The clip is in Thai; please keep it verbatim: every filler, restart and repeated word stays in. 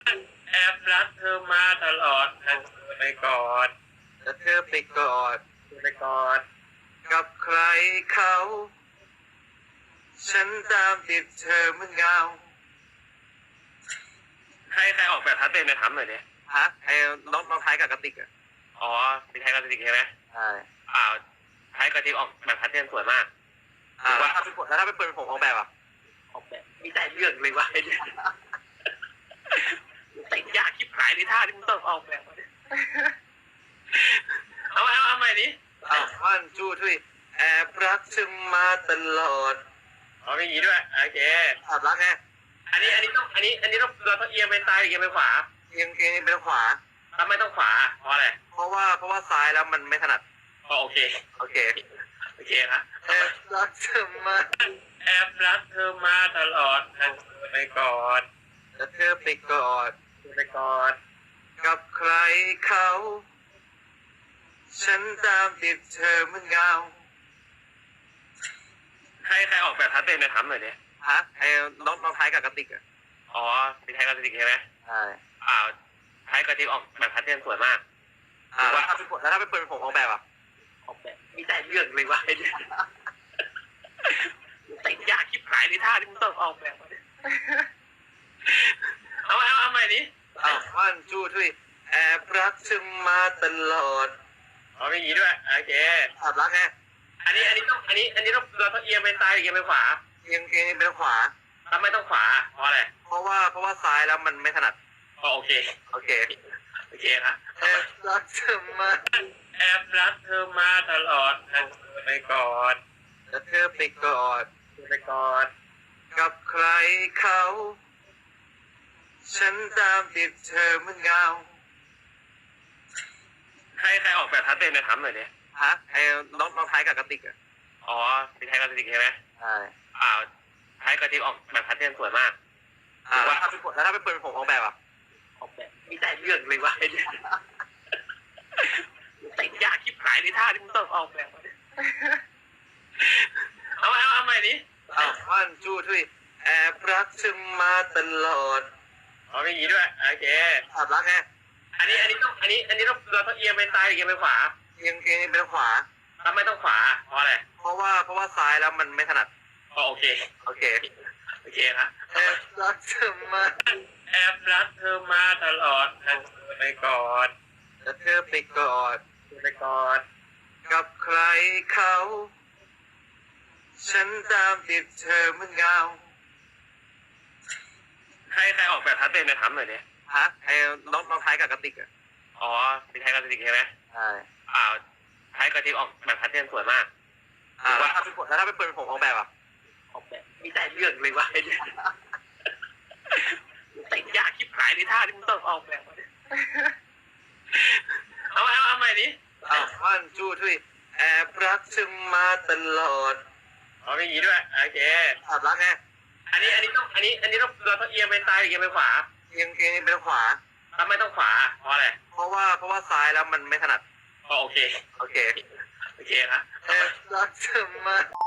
แอบรักเธอมาตลอดแต่เธอไปกอดแต่เธอไปกอดเธอไปกอดกับใครเขาฉันตามติดเธอเหมือนเงาใครใครออกแบบทัดเต็มในถามหน่อยดิฮะไอ้น้องน้องท้ายกับกระติกอ่ะอ๋อมีไทยกับสติกใช่ไหมใช่อ่าไทยกับสติกออกแบบทัดเต็มสวยมากอ่าแล้วถ้าเป็นแล้วถ้าเป็นปืนผมออกแบบอ่ะออกแบบมีแต่เรื่องเลยวะไอ้เนี่ยแต่งยากชิบหายในท่าที่มึงต้องออกแบบเอาเอาเอาใหม่ดิอ้าววันจูทุยแอบรักเธอมาตลอดเอาอย่างนี้ด้วยโอเคแอบรักไงอันนี้อันนี้ต้องอันนี้อันนี้ต้องเราต้องเอียงไปซ้ายหรือเอียงไปขวาเอียงเอียงเป็นขวาทำไมต้องขวาเพราะอะไรเพราะว่าเพราะว่าซ้ายแล้วมันไม่ถนัดอ๋อโอเคโอเคโอเคนะแอบรักเธอมาแอบรักเธอมาตลอดแต่เธอไปกอดแต่เธอไปกอดเธอไปกอดกับใครเขาฉันตามติดเธอเหมือนเงาใครใครออกแบบทัดเต็มในถามหน่อยดิฮะไอ้น้องน้องท้ายกับกระติกอ่ะอ๋อมีไทยกับสติกใช่ไหมใช่อ่าไทยกับสติกออกแบบทัดเต็มสวยมากอ่าแล้วถ้าเป็นแล้วถ้าเป็นปืนผมออกแบบอ่ะออกแบบมีแต่เรื่องเลยวะไอ้เนี่ยแต่งยากชิบหายในท่าที่มึงต้องออกแบบเอาเอาเอาใหม่ดิอ้าววันจูทุยแอบรักเธอมาตลอดเอาอย่างนี้ด้วยโอเคแอบรักไงอันนี้อันนี้ต้องอันนี้อันนี้ต้องเราต้องเอียงไปซ้ายหรือเอียงไปขวาเอียงเอียงเป็นขวาทำไมต้องขวาเพราะอะไรเพราะว่าเพราะว่าซ้ายแล้วมันไม่ถนัดอ๋อโอเคโอเคโอเคนะแอบรักเธอมาแอบรักเธอมาตลอดแต่เธอไปกอดแต่เธอไปกอดเธอไปกอดกับใครเขาฉันตามติดเธอเหมือนเงาใครใครออกแบบทัดเต็มในถามหน่อยดิฮะไอ้น้องน้องท้ายกับกระติกอ่ะอ๋อมีไทยกับสติกใช่ไหมใช่อ่าไทยกับสติกออกแบบทัดเต็มสวยมากอ่าแล้วถ้าเป็นแล้วถ้าเป็นปืนผมออกแบบอ่ะออกแบบมีแต่เรื่องเลยวะไอ้เนี่ยแต่งยากชิบหายในท่าที่มึงต้องออกแบบเอาเอาเอาใหม่ดิอ้าววันจูทุยแอบรักเธอมาตลอดเอาอย่างนี้ด้วยโอเคแอบรักไงอันนี้อันนี้ต้องอันนี้อันนี้ต้องเราต้องเอียงไปซ้ายหรือเอียงไปขวาเอียงเอียงเป็นขวาทำไมต้องขวาเพราะอะไรเพราะว่าเพราะว่าซ้ายแล้วมันไม่ถนัดอ๋อโอเคโอเคโอเคนะแอบรักเธอมาแอบรักเธอมาตลอดแต่เธอไปกอดแต่เธอไปกอดเธอไปกอดกับใครเขาฉันตามติดเธอเหมือนเงาใครใครออกแบบทัดเต็มในถามหน่อยดิฮะไอ้น้องน้องท้ายกับกระติกอ่ะอ๋อมีไทยกับสติกใช่ไหมใช่อ่าไทยกับสติกออกแบบทัดเต็มสวยมากอ่าแล้วถ้าเป็นแล้วถ้าเป็นปืนผมออกแบบอ่ะออกแบบมีแต่เรื่องเลยวะไอ้เนี่ยแต่งยากชิบหายในท่าที่มึงต้องออกแบบเอาเอาเอาใหม่ดิอ้าววันจูทุยแอบรักเธอมาตลอดเอาอย่างนี้ด้วยโอเคแอบรักไงอันนี้อันนี้ต้องอันนี้อันนี้ต้องเราต้องเอียงไปซ้ายหรือเอียงไปขวาเอียงเอียงเป็นขวาทำไมต้องขวาเพราะอะไรเพราะว่าเพราะว่าซ้ายแล้วมันไม่ถนัดอ๋อโอเคโอเคโอเคนะแอบรักเธอมา